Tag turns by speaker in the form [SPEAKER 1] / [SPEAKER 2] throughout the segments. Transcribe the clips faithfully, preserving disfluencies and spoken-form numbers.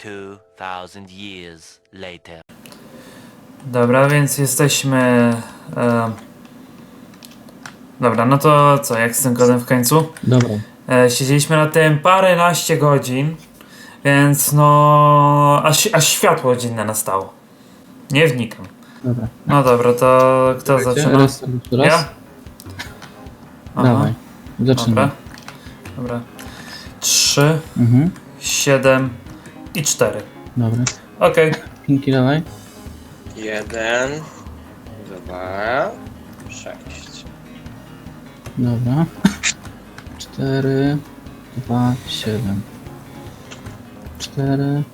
[SPEAKER 1] Two thousand years later.
[SPEAKER 2] Dobra, więc jesteśmy... E... Dobra, no to co, jak z tym kodem w końcu?
[SPEAKER 3] Dobra.
[SPEAKER 2] E, siedzieliśmy na tym paręnaście godzin, więc no... Aż, aż światło dzienne nastało. Nie wnikam.
[SPEAKER 3] Dobra.
[SPEAKER 2] No dobra, to kto zaczyna?
[SPEAKER 3] Raz, raz.
[SPEAKER 2] Ja? Aha,
[SPEAKER 3] Dawaj. Zaczynamy.
[SPEAKER 2] dobra. Dobra. Trzy,
[SPEAKER 3] Mhm.
[SPEAKER 2] siedem i cztery.
[SPEAKER 3] Dobra.
[SPEAKER 2] Okej.
[SPEAKER 3] Pinki dawaj.
[SPEAKER 4] Jeden, dwa, sześć.
[SPEAKER 3] Dobra. Cztery, dwa, siedem. Cztery,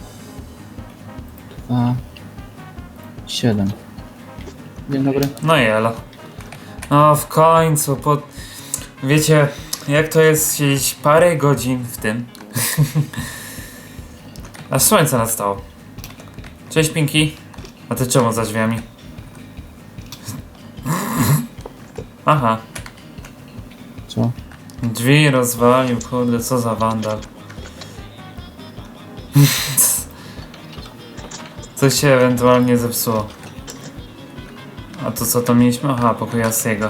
[SPEAKER 3] dwa, siedem. Dzień dobry.
[SPEAKER 2] No i elo. No w końcu, po... Wiecie, jak to jest siedzieć parę godzin w tym? Aż słońce nastało. Cześć Pinki. A ty czemu za drzwiami? Aha.
[SPEAKER 3] Co?
[SPEAKER 2] Drzwi rozwalił, kurde, co za wandal. Coś się ewentualnie zepsuło. A to co to mieliśmy? Aha, pokój Asiego.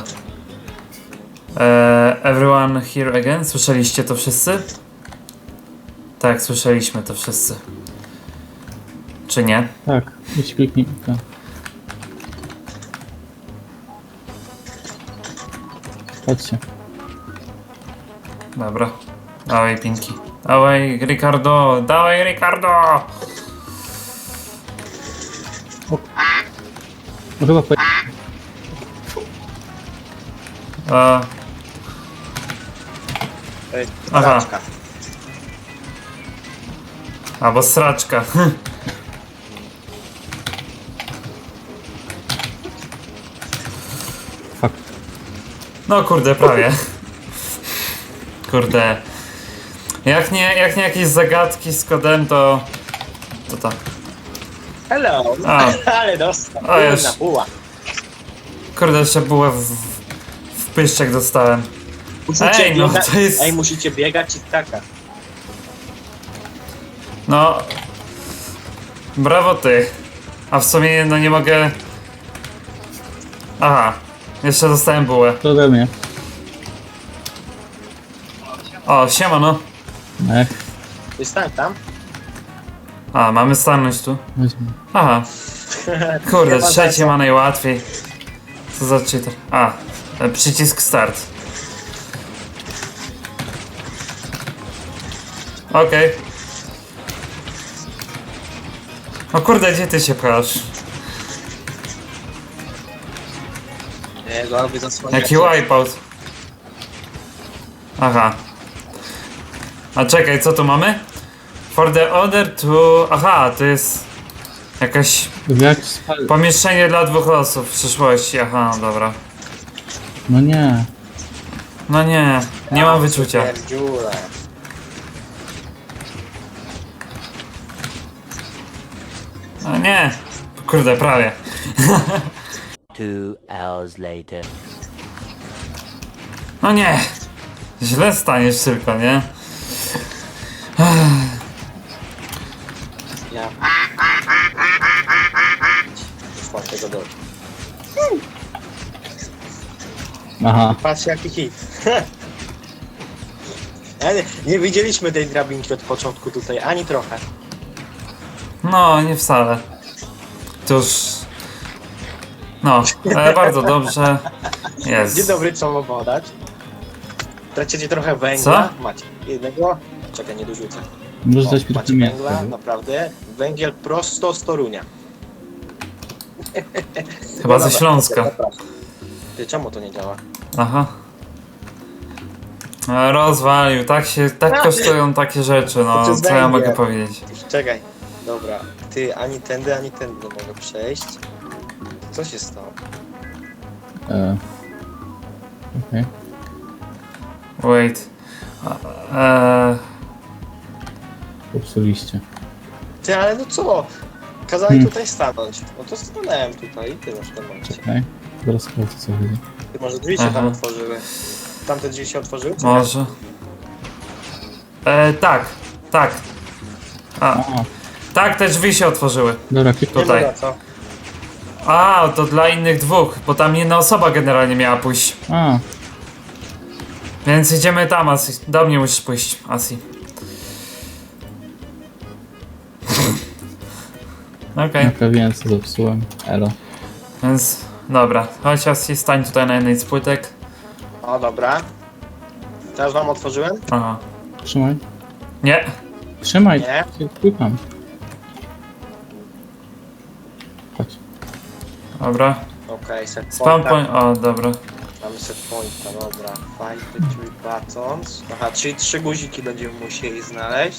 [SPEAKER 2] Eee, everyone here again? Słyszeliście to wszyscy? Tak, słyszeliśmy to wszyscy. Czy nie?
[SPEAKER 3] Tak. Idź kliknij. Tak. Chodźcie.
[SPEAKER 2] Dobra. Dawaj Pinki. Dawaj Ricardo! Dawaj Ricardo!
[SPEAKER 3] No chyba po...
[SPEAKER 2] A,
[SPEAKER 4] Ej,
[SPEAKER 2] Aha.
[SPEAKER 4] Aha.
[SPEAKER 2] albo sraczka.
[SPEAKER 3] Fuck.
[SPEAKER 2] No kurde, prawie. Kurde. Jak nie, jak nie jakieś zagadki z kodem, to... To tak.
[SPEAKER 4] Hello!
[SPEAKER 2] A.
[SPEAKER 4] Ale dostał.
[SPEAKER 2] A, już.
[SPEAKER 4] Na puła.
[SPEAKER 2] Kurde, jeszcze bułę w, w pyszczek dostałem.
[SPEAKER 4] Musicie
[SPEAKER 2] Ej, no
[SPEAKER 4] biega-
[SPEAKER 2] to jest...
[SPEAKER 4] Ej, musicie biegać i taka.
[SPEAKER 2] No... Brawo ty. A w sumie no nie mogę... Aha. Jeszcze dostałem bułę.
[SPEAKER 3] To ode mnie.
[SPEAKER 2] O, siemano.
[SPEAKER 3] Ech.
[SPEAKER 4] Ty stań tam.
[SPEAKER 2] A, mamy stanąć tu.
[SPEAKER 3] Weźmy.
[SPEAKER 2] Aha. Kurde,
[SPEAKER 4] Nie ma
[SPEAKER 2] trzecie
[SPEAKER 4] sensu.
[SPEAKER 2] ma najłatwiej. Co za cheater? A, e, przycisk start. Okej. O kurde, gdzie ty się pchasz?
[SPEAKER 4] Nie, go albo zasłonię.
[SPEAKER 2] Jaki wipeout? Aha. A czekaj, co tu mamy? For the order to... Aha, to jest... Jakaś...
[SPEAKER 3] Jak spal...
[SPEAKER 2] Pomieszczenie dla dwóch osób w przyszłości. Aha, dobra.
[SPEAKER 3] No nie.
[SPEAKER 2] No nie, nie mam wyczucia.
[SPEAKER 4] Pierdziule.
[SPEAKER 2] No nie. Kurde, prawie.
[SPEAKER 1] Two hours later.
[SPEAKER 2] No nie. Źle staniesz tylko, nie?
[SPEAKER 4] Ja. Czwartego do.
[SPEAKER 3] Aha.
[SPEAKER 4] Patrz jaki hit. Ale nie widzieliśmy tej drabinki od początku tutaj, ani trochę.
[SPEAKER 2] No, nie wcale. Cóż... No, e, bardzo dobrze. Jest.
[SPEAKER 4] Dzień dobry, co mam podać? Tracicie trochę węgla. Macie jednego. Czekaj, nie dorzucę.
[SPEAKER 3] Możesz
[SPEAKER 4] O,
[SPEAKER 3] dać
[SPEAKER 4] macie
[SPEAKER 3] mi
[SPEAKER 4] węgla, naprawdę. Węgiel prosto z Torunia.
[SPEAKER 2] Chyba
[SPEAKER 4] No
[SPEAKER 2] ze
[SPEAKER 4] dobra,
[SPEAKER 2] Śląska.
[SPEAKER 4] zapraszam. Ty, czemu to nie działa?
[SPEAKER 2] Aha. E, Rozwalił, tak się, tak kosztują takie rzeczy, no,
[SPEAKER 4] To jest
[SPEAKER 2] co ja
[SPEAKER 4] węgiel.
[SPEAKER 2] mogę powiedzieć.
[SPEAKER 4] Czekaj. Dobra. Ty, ani tędy, ani tędy nie mogę przejść. Co się stało?
[SPEAKER 3] E. Okej.
[SPEAKER 2] Wait. Eee,
[SPEAKER 3] Popsuliście.
[SPEAKER 4] Ty, ale no co? Kazali
[SPEAKER 3] Hmm.
[SPEAKER 4] tutaj stanąć. No to stanąłem tutaj i ty masz w tym momencie.
[SPEAKER 3] Czekaj. Zaraz sprawdzę co chodzi.
[SPEAKER 4] Ty, może drzwi się
[SPEAKER 2] Aha.
[SPEAKER 4] tam otworzyły. Tamte drzwi się otworzyły? czy
[SPEAKER 2] może. E, tak, tak. A,
[SPEAKER 3] A,
[SPEAKER 2] tak, te drzwi się otworzyły.
[SPEAKER 3] dobra, kliknij.
[SPEAKER 4] Nie
[SPEAKER 2] Tutaj.
[SPEAKER 4] ma za co.
[SPEAKER 2] A, to dla innych dwóch, bo tam jedna osoba generalnie miała pójść.
[SPEAKER 3] A,
[SPEAKER 2] Więc idziemy tam, Asi. Do mnie musisz pójść, Asi. Okej,
[SPEAKER 3] naprawiłem co zepsułem. Elo.
[SPEAKER 2] więc dobra. Chodź, Asi, stań tutaj na jednej z płytek.
[SPEAKER 4] O, dobra. Teraz wam otworzyłem?
[SPEAKER 2] Aha.
[SPEAKER 3] Trzymaj.
[SPEAKER 2] Nie.
[SPEAKER 3] Trzymaj.
[SPEAKER 4] Nie.
[SPEAKER 3] Klikam. Chodź.
[SPEAKER 2] Dobra.
[SPEAKER 4] Okej, set
[SPEAKER 2] Spam
[SPEAKER 4] pointa.
[SPEAKER 2] point. O, dobra.
[SPEAKER 4] Mamy set pointa, dobra. Find the three buttons. Aha, czyli trzy guziki będziemy musieli znaleźć.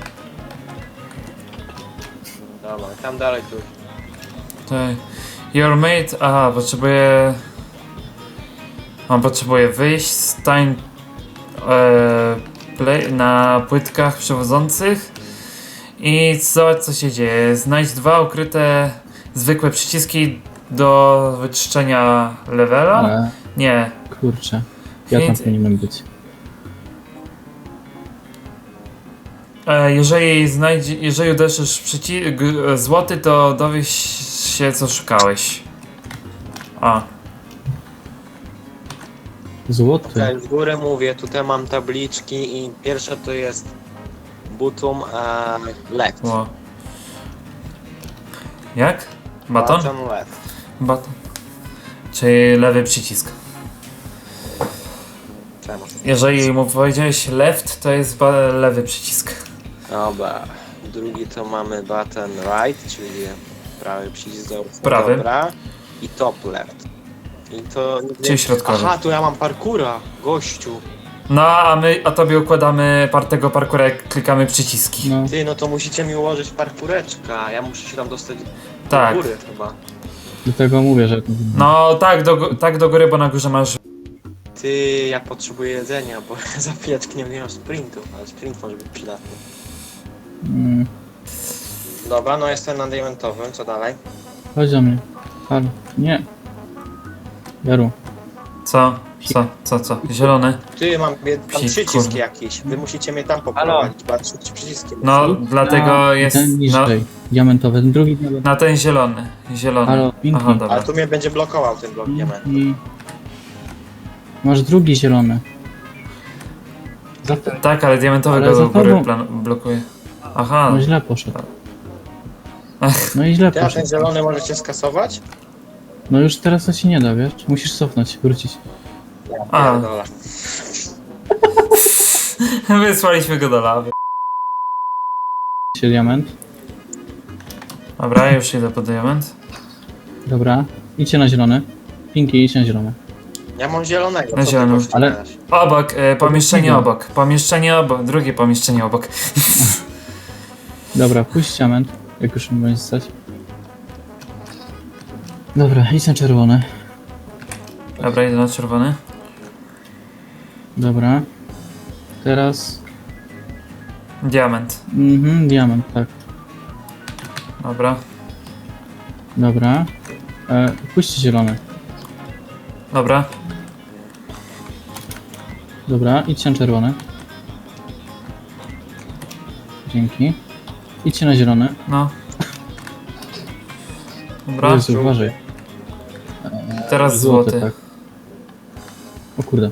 [SPEAKER 4] Dobra, tam dalej tu.
[SPEAKER 2] Tutaj. Your mate. Aha, potrzebuję. On potrzebuje wyjść. Stań. E, play, na płytkach przewodzących. I zobacz, co się dzieje. Znajdź dwa ukryte zwykłe przyciski do wyczyszczenia levela.
[SPEAKER 3] Ale
[SPEAKER 2] Nie.
[SPEAKER 3] kurczę. Ja tam
[SPEAKER 2] Hint.
[SPEAKER 3] powinienem być.
[SPEAKER 2] E, jeżeli znajdzie, jeżeli uderzysz przycisk złoty, to dowiesz się, co szukałeś. A.
[SPEAKER 3] Złoty.
[SPEAKER 4] Okej, z góry mówię, tutaj mam tabliczki i pierwsze to jest button e, left.
[SPEAKER 2] Ło. Jak? Baton?
[SPEAKER 4] Button left.
[SPEAKER 2] Baton. Czyli lewy przycisk.
[SPEAKER 4] Czemu?
[SPEAKER 2] Jeżeli mu powiedziałeś left, to jest ba- lewy przycisk.
[SPEAKER 4] Dobra. Drugi to mamy button right, czyli prawy przycisk do
[SPEAKER 2] Prawy.
[SPEAKER 4] Dobra. I top left. I to...
[SPEAKER 2] Czyli środkowy.
[SPEAKER 4] Aha, tu ja mam parkura, gościu.
[SPEAKER 2] No, a my, a tobie układamy par tego parkura, jak klikamy przyciski.
[SPEAKER 3] No.
[SPEAKER 4] Ty, no to musicie mi ułożyć parkureczka. Ja muszę się tam dostać
[SPEAKER 2] Tak.
[SPEAKER 4] do góry chyba.
[SPEAKER 3] Dlatego mówię, że...
[SPEAKER 2] No, tak do, gó- tak do góry, bo na górze masz...
[SPEAKER 4] Ty, ja potrzebuję jedzenia, bo za chwileczkę nie mam sprintu, ale sprint może być przydatny.
[SPEAKER 3] Mm,
[SPEAKER 4] Dobra, no jestem na diamentowym, co dalej?
[SPEAKER 3] chodź do mnie. Halo. Nie. Jaru.
[SPEAKER 2] Co? Co? Co? Co? Zielony?
[SPEAKER 4] Ty, mam bie- tam
[SPEAKER 2] Psik,
[SPEAKER 4] przyciski
[SPEAKER 2] kurde.
[SPEAKER 4] jakieś, wy musicie mnie tam poprowadzić, bo ja trzy trzy przyciski.
[SPEAKER 2] No,
[SPEAKER 4] muszę.
[SPEAKER 2] dlatego
[SPEAKER 3] A,
[SPEAKER 2] jest...
[SPEAKER 3] Ten
[SPEAKER 2] No,
[SPEAKER 3] niżej. Diamentowy. Ten drugi diamentowy.
[SPEAKER 2] na ten zielony. Zielony.
[SPEAKER 3] Halo, Pinky.
[SPEAKER 2] Aha, dobra.
[SPEAKER 4] Ale tu mnie będzie blokował ten blok diament.
[SPEAKER 3] I... Masz drugi zielony. Za to...
[SPEAKER 2] Tak, ale diamentowy
[SPEAKER 3] Ale
[SPEAKER 2] go
[SPEAKER 3] za
[SPEAKER 2] do góry
[SPEAKER 3] tobą-
[SPEAKER 2] plan- blokuje. Aha.
[SPEAKER 3] No źle poszedł. No i źle
[SPEAKER 4] Ty, a ten
[SPEAKER 3] poszedł.
[SPEAKER 4] zielony możecie skasować?
[SPEAKER 3] No już teraz to ci nie da, wiesz? Musisz cofnąć, wrócić.
[SPEAKER 2] A.
[SPEAKER 4] Pierdolę.
[SPEAKER 2] Wysłaliśmy go do lawy.
[SPEAKER 3] Się diament.
[SPEAKER 2] Dobra, ja już idę po diament.
[SPEAKER 3] Dobra. Idźcie na zielony. Pinky, idź na zielony.
[SPEAKER 4] Ja mam zielonego,
[SPEAKER 2] Na
[SPEAKER 4] co
[SPEAKER 2] zielonym.
[SPEAKER 4] ty gościu
[SPEAKER 3] Ale-
[SPEAKER 4] gadasz?
[SPEAKER 2] Obok, e, pomieszczenie
[SPEAKER 3] Drugiego.
[SPEAKER 2] obok. Pomieszczenie obok, drugie pomieszczenie obok.
[SPEAKER 3] Dobra, pójść diament. Jak już mi będzie stać. Dobra, idź na czerwony.
[SPEAKER 2] Dobra, idę na czerwony.
[SPEAKER 3] Dobra. Teraz...
[SPEAKER 2] Diament.
[SPEAKER 3] Mhm, diament, tak.
[SPEAKER 2] Dobra.
[SPEAKER 3] Dobra. E, pójście zielony.
[SPEAKER 2] Dobra.
[SPEAKER 3] Dobra, idźcie na czerwony. Dzięki. Idźcie na zielony.
[SPEAKER 2] No. Dobra.
[SPEAKER 3] Jezu, uważaj.
[SPEAKER 2] Teraz złoty.
[SPEAKER 3] tak. O kurde.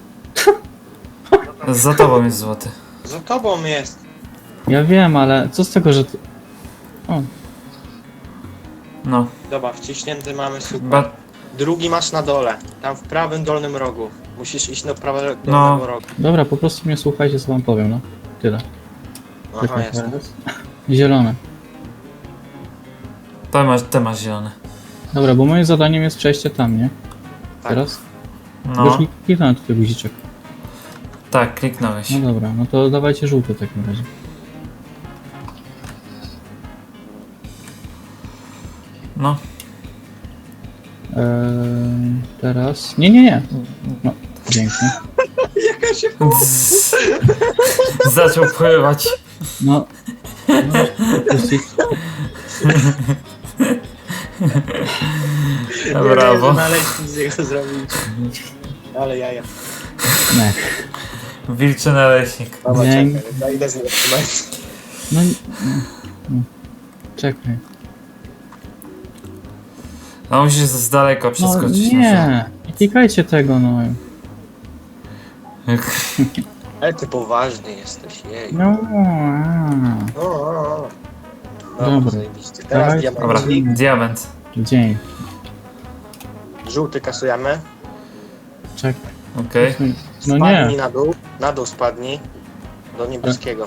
[SPEAKER 2] Za tobą jest złoty.
[SPEAKER 4] Za tobą jest.
[SPEAKER 3] Ja wiem, ale co z tego, że... Ty... O,
[SPEAKER 2] No.
[SPEAKER 4] Dobra, wciśnięty mamy, super.
[SPEAKER 2] Ba
[SPEAKER 4] Drugi masz na dole, tam w prawym dolnym rogu. Musisz iść do prawego
[SPEAKER 2] No.
[SPEAKER 4] dolnego rogu.
[SPEAKER 3] dobra, po prostu mnie słuchajcie, co wam powiem, no. Tyle.
[SPEAKER 4] Aha, jest.
[SPEAKER 3] Zielone.
[SPEAKER 2] to masz, ty masz zielony.
[SPEAKER 3] Dobra, bo moim zadaniem jest przejście tam, nie?
[SPEAKER 4] Tak.
[SPEAKER 3] Teraz?
[SPEAKER 2] No.
[SPEAKER 3] Już kliknąłem tutaj guziczek.
[SPEAKER 2] Tak, kliknąłeś.
[SPEAKER 3] No dobra, no to dawajcie żółty w takim razie.
[SPEAKER 2] No.
[SPEAKER 3] Eee, teraz... Nie, nie, nie. No, pięknie.
[SPEAKER 4] Jaka się...
[SPEAKER 2] Zzz. Zaczął pływać.
[SPEAKER 3] No. no puścić.
[SPEAKER 2] Brawo.
[SPEAKER 4] Naleśnik z niego zrobić. Ale jaja.
[SPEAKER 3] Nie.
[SPEAKER 2] Wilczy naleśnik.
[SPEAKER 4] Dobra,
[SPEAKER 3] Nie.
[SPEAKER 4] czekaj, ja idę z niego trzymać.
[SPEAKER 3] No, Czekaj.
[SPEAKER 2] No musisz z daleko
[SPEAKER 3] No
[SPEAKER 2] przeskoczyć.
[SPEAKER 3] nie! Nie klikajcie tego, no.
[SPEAKER 4] Ale ty poważny jesteś, jej.
[SPEAKER 3] No. a.
[SPEAKER 4] No, no, no.
[SPEAKER 3] Dobra.
[SPEAKER 4] Dobra, zajebiście. Teraz
[SPEAKER 3] Dawaj.
[SPEAKER 2] Dobra,
[SPEAKER 4] diamencik.
[SPEAKER 2] diament.
[SPEAKER 3] Dzień.
[SPEAKER 4] Żółty kasujemy.
[SPEAKER 3] Czekaj.
[SPEAKER 2] Okej.
[SPEAKER 3] No
[SPEAKER 4] Spadnij
[SPEAKER 3] nie.
[SPEAKER 4] na dół. Na dół spadnij. Do niebieskiego.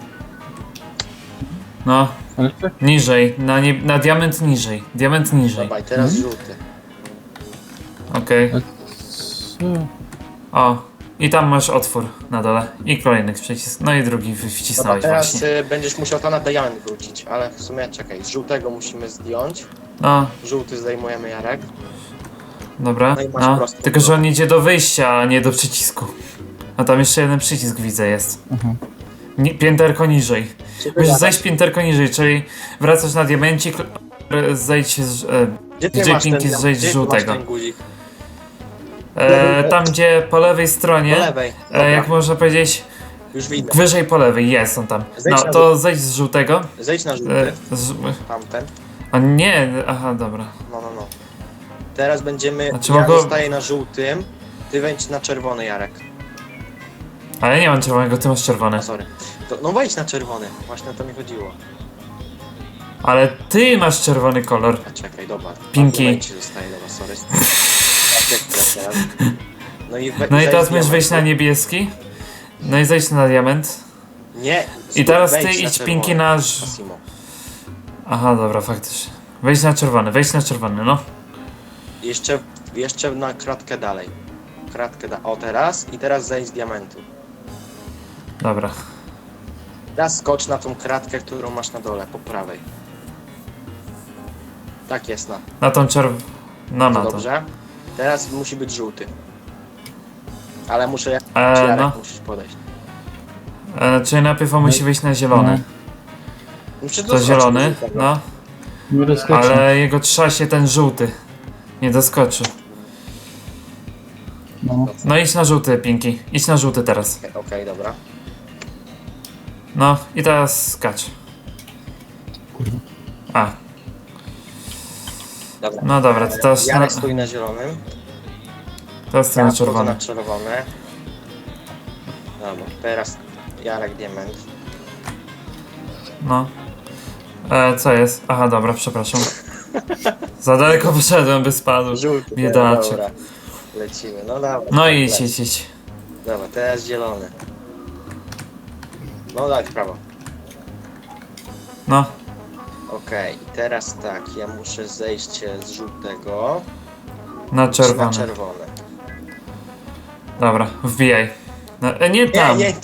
[SPEAKER 2] No,
[SPEAKER 3] Ale tak.
[SPEAKER 2] niżej. Na, nie, na diament niżej. Diament niżej.
[SPEAKER 4] Dobra, i teraz
[SPEAKER 3] Mhm.
[SPEAKER 4] żółty.
[SPEAKER 2] Okej.
[SPEAKER 3] Co?
[SPEAKER 2] O. I tam masz otwór na dole. I kolejny przycisk. No i drugi wy-
[SPEAKER 4] Dobra,
[SPEAKER 2] wcisnąłeś
[SPEAKER 4] teraz
[SPEAKER 2] właśnie.
[SPEAKER 4] y, będziesz musiał to na diament wrócić, ale w sumie czekaj, z żółtego musimy zdjąć.
[SPEAKER 2] No,
[SPEAKER 4] Żółty zdejmujemy, Jarek.
[SPEAKER 2] dobra.
[SPEAKER 4] No i masz
[SPEAKER 2] No.
[SPEAKER 4] prosto.
[SPEAKER 2] Tylko, że on idzie do wyjścia, a nie do przycisku. A tam jeszcze jeden przycisk widzę jest.
[SPEAKER 3] Aha.
[SPEAKER 2] Ni pięterko niżej.
[SPEAKER 4] Gdzie ty
[SPEAKER 2] Musisz
[SPEAKER 4] latasz?
[SPEAKER 2] zejść pięterko niżej, czyli wracasz na diamencik, e, zejdź z, e,
[SPEAKER 4] Gdzie ty
[SPEAKER 2] gdzie
[SPEAKER 4] masz ten,
[SPEAKER 2] pinki
[SPEAKER 4] diam-
[SPEAKER 2] zejdź
[SPEAKER 4] gdzie
[SPEAKER 2] z
[SPEAKER 4] ty masz
[SPEAKER 2] żółtego.
[SPEAKER 4] ten guzik?
[SPEAKER 2] e, tam gdzie po lewej stronie,
[SPEAKER 4] Po lewej.
[SPEAKER 2] e,
[SPEAKER 4] Dobra,
[SPEAKER 2] jak można powiedzieć,
[SPEAKER 4] już widzę.
[SPEAKER 2] wyżej po lewej, jest on tam.
[SPEAKER 4] Zejdź
[SPEAKER 2] No
[SPEAKER 4] na
[SPEAKER 2] to zejdź z żółtego.
[SPEAKER 4] Zejdź na żółty.
[SPEAKER 2] E, z,
[SPEAKER 4] Tamten.
[SPEAKER 2] a nie, aha, dobra.
[SPEAKER 4] No, no, no. Teraz będziemy...
[SPEAKER 2] Znaczy
[SPEAKER 4] ja
[SPEAKER 2] mogę-
[SPEAKER 4] zostaję na żółtym. Ty wejdź na czerwony, Jarek.
[SPEAKER 2] Ale nie mam czerwonego, ty masz czerwone.
[SPEAKER 4] A, sorry. To, no wejdź na czerwony. Właśnie o to mi chodziło.
[SPEAKER 2] Ale ty masz czerwony kolor.
[SPEAKER 4] A czekaj, dobra.
[SPEAKER 2] Pinki.
[SPEAKER 4] Wejdź zostaje, dobra, sorry. Tak, jak chcesz teraz. No i, we,
[SPEAKER 2] No i
[SPEAKER 4] zejdź
[SPEAKER 2] teraz
[SPEAKER 4] z
[SPEAKER 2] możesz wejść na
[SPEAKER 4] diamentu.
[SPEAKER 2] niebieski. No i zejdź na diament.
[SPEAKER 4] Nie.
[SPEAKER 2] I teraz ty
[SPEAKER 4] wejdź na
[SPEAKER 2] idź
[SPEAKER 4] czerwony.
[SPEAKER 2] pinki na... ż-
[SPEAKER 4] Massimo.
[SPEAKER 2] Aha, dobra, faktycznie. Wejdź na czerwony, wejdź na czerwony, no.
[SPEAKER 4] Jeszcze, jeszcze na kratkę dalej. Kratkę da. O, teraz. I teraz zejdź z diamentu.
[SPEAKER 2] Dobra.
[SPEAKER 4] Teraz skocz na tą kratkę, którą masz na dole, po prawej. Tak jest, na.
[SPEAKER 2] Na tą czerw... No, na to.
[SPEAKER 4] Dobrze. Teraz musi być żółty. Ale muszę jak
[SPEAKER 2] E,
[SPEAKER 4] Jarek
[SPEAKER 2] no.
[SPEAKER 4] musisz podejść.
[SPEAKER 2] E, czyli najpierw on musi wyjść na zielony.
[SPEAKER 4] Muszę
[SPEAKER 2] To
[SPEAKER 4] doskoczyć
[SPEAKER 2] zielony,
[SPEAKER 4] do żółtego.
[SPEAKER 2] no.
[SPEAKER 3] Nie doskoczę.
[SPEAKER 2] Ale jego trza się ten żółty. Nie doskoczy.
[SPEAKER 3] No.
[SPEAKER 2] No idź na żółty, Pinki. Idź na żółty teraz.
[SPEAKER 4] Okej, okej, dobra.
[SPEAKER 2] No i teraz skacz.
[SPEAKER 3] Kurwa.
[SPEAKER 2] A,
[SPEAKER 4] Dobra.
[SPEAKER 2] no dobra, to teraz,
[SPEAKER 4] Jarek
[SPEAKER 2] na,
[SPEAKER 4] stoi na zielonym.
[SPEAKER 2] teraz ty
[SPEAKER 4] Ja
[SPEAKER 2] na
[SPEAKER 4] wchodzę
[SPEAKER 2] czerwony.
[SPEAKER 4] na czerwone. Dobra, teraz Jarek diament.
[SPEAKER 2] No. E, co jest? Aha, dobra, przepraszam. Za daleko poszedłem, by spadł.
[SPEAKER 4] Żółty.
[SPEAKER 2] Biedaczek.
[SPEAKER 4] Dobra. Lecimy, no dobra.
[SPEAKER 2] No i idź,
[SPEAKER 4] Leć.
[SPEAKER 2] idź, idź.
[SPEAKER 4] Dobra, teraz zielony. No daj w prawo.
[SPEAKER 2] No,
[SPEAKER 4] Okej, i teraz tak, ja muszę zejść z żółtego
[SPEAKER 2] na
[SPEAKER 4] na
[SPEAKER 2] czerwony.
[SPEAKER 4] czerwone.
[SPEAKER 2] Dobra, wbijaj. No, e, nie
[SPEAKER 4] Nie,
[SPEAKER 2] tam.
[SPEAKER 4] nie,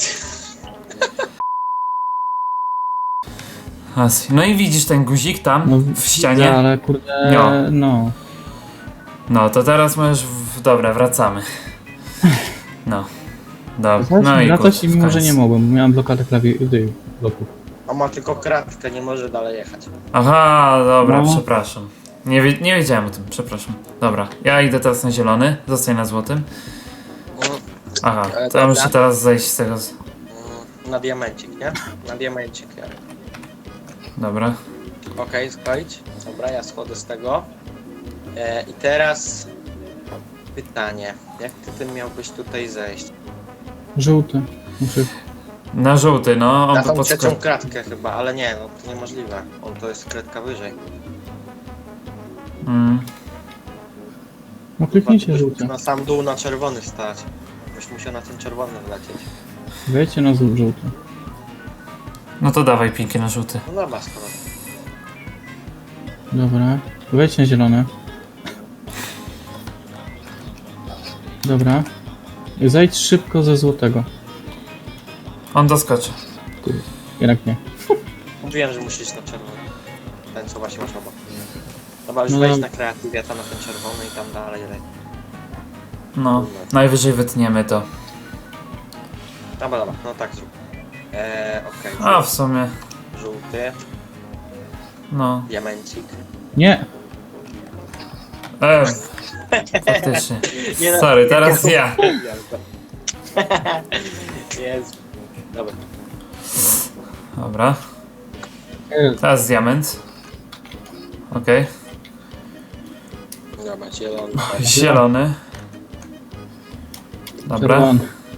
[SPEAKER 2] As- No i widzisz ten guzik tam
[SPEAKER 3] No,
[SPEAKER 2] w ścianie?
[SPEAKER 3] widzę, ale kurde,
[SPEAKER 2] No.
[SPEAKER 3] no.
[SPEAKER 2] No to teraz możesz. W... Dobra, wracamy. No. Dobra. No i
[SPEAKER 3] Latać
[SPEAKER 2] kurde,
[SPEAKER 3] i
[SPEAKER 2] w
[SPEAKER 3] mimo, że
[SPEAKER 2] końcu.
[SPEAKER 3] nie mogłem, bo miałem blokadę klawi... tej, bloków.
[SPEAKER 4] on ma tylko kratkę, nie może dalej jechać.
[SPEAKER 2] Aha, dobra,
[SPEAKER 3] No.
[SPEAKER 2] przepraszam. Nie, wie, nie wiedziałem o tym, przepraszam. Dobra, ja idę teraz na zielony, zostań na złotym.
[SPEAKER 4] Mm,
[SPEAKER 2] Aha,
[SPEAKER 4] E,
[SPEAKER 2] to ja
[SPEAKER 4] dobra.
[SPEAKER 2] muszę teraz zejść z tego. z-
[SPEAKER 4] mm, Na diamencik, nie? Na diamencik, Jarek.
[SPEAKER 2] Dobra.
[SPEAKER 4] Okej, skończ. Dobra, ja schodzę z tego. E, I teraz pytanie. Jak ty tym miałbyś tutaj zejść?
[SPEAKER 3] Żółty. Muszę...
[SPEAKER 2] Na żółty, no, on
[SPEAKER 4] Na
[SPEAKER 2] by
[SPEAKER 4] tą trzecią
[SPEAKER 2] podskoczył.
[SPEAKER 4] kratkę chyba, ale nie, no to niemożliwe. On to jest kratka wyżej.
[SPEAKER 2] Mm.
[SPEAKER 3] No kliknijcie żółty.
[SPEAKER 4] Na sam dół na czerwony stać. Byś musiał na ten czerwony wlecieć.
[SPEAKER 3] Wejdźcie na żół- żółty.
[SPEAKER 2] No to dawaj pinki na żółty.
[SPEAKER 4] No dobra, skoro.
[SPEAKER 3] Dobra. Wejdźcie na zielony. Dobra. Zejdź szybko ze złotego.
[SPEAKER 2] On doskoczy.
[SPEAKER 3] Kurde. Jednak nie.
[SPEAKER 4] Mówiłem, że musisz na czerwony. Ten co właśnie masz obok. Dobra, już
[SPEAKER 3] No
[SPEAKER 4] wejdź
[SPEAKER 3] dam-
[SPEAKER 4] na kreatywę, tam na ten czerwony i tam dalej leć.
[SPEAKER 2] No, najwyżej wytniemy to.
[SPEAKER 4] Dobra, dobra, no tak zrób. Eee, okej.
[SPEAKER 2] A w sumie,
[SPEAKER 4] Żółty,
[SPEAKER 2] no.
[SPEAKER 4] diamencik.
[SPEAKER 3] Nie!
[SPEAKER 2] E, faktycznie.
[SPEAKER 4] Nie no,
[SPEAKER 2] Sorry, teraz ja.
[SPEAKER 4] Jest. Dobra.
[SPEAKER 2] Dobra. Teraz diament. Okej.
[SPEAKER 4] Dobra, zielony.
[SPEAKER 2] Zielony. Dobra.
[SPEAKER 3] Czerwony.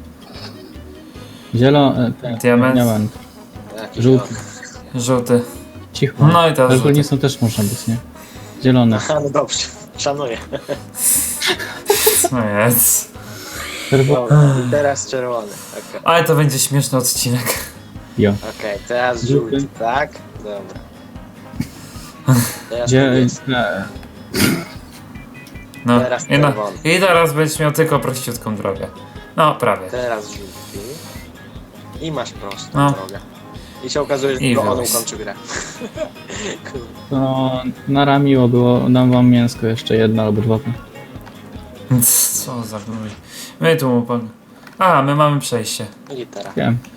[SPEAKER 3] Zielony. Ten,
[SPEAKER 2] Diament.
[SPEAKER 3] diament.
[SPEAKER 4] Jaki
[SPEAKER 3] Żółty.
[SPEAKER 4] zielony?
[SPEAKER 2] Żółty.
[SPEAKER 3] Cicho.
[SPEAKER 2] No i teraz żółty.
[SPEAKER 3] Czerwonicą też można być, nie? Zielony.
[SPEAKER 4] Aha, no dobrze. Szanuję.
[SPEAKER 2] No jest.
[SPEAKER 3] Czerwony.
[SPEAKER 4] Dobra, i teraz czerwony. Okej,
[SPEAKER 2] Ale to będzie śmieszny odcinek.
[SPEAKER 3] Jo.
[SPEAKER 4] okej, teraz
[SPEAKER 3] Żółty.
[SPEAKER 4] żółty, tak? Dobra. Teraz
[SPEAKER 3] Gdzie...
[SPEAKER 4] niebieski.
[SPEAKER 3] E,
[SPEAKER 2] No.
[SPEAKER 4] Teraz
[SPEAKER 2] I, na,
[SPEAKER 4] czerwony.
[SPEAKER 2] I teraz będziesz miał tylko prościutką drogę. No, prawie.
[SPEAKER 4] Teraz żółty. I masz prostą
[SPEAKER 2] No.
[SPEAKER 4] drogę. I się okazuje, że
[SPEAKER 2] I
[SPEAKER 4] tylko on
[SPEAKER 2] wyłaz.
[SPEAKER 4] ukończy grę.
[SPEAKER 3] to nara miło było. Dam wam mięsko jeszcze jedno albo dwa.
[SPEAKER 2] Co za gnój. My tu mu pog... A, my mamy przejście.
[SPEAKER 4] Litera.
[SPEAKER 3] Wiem.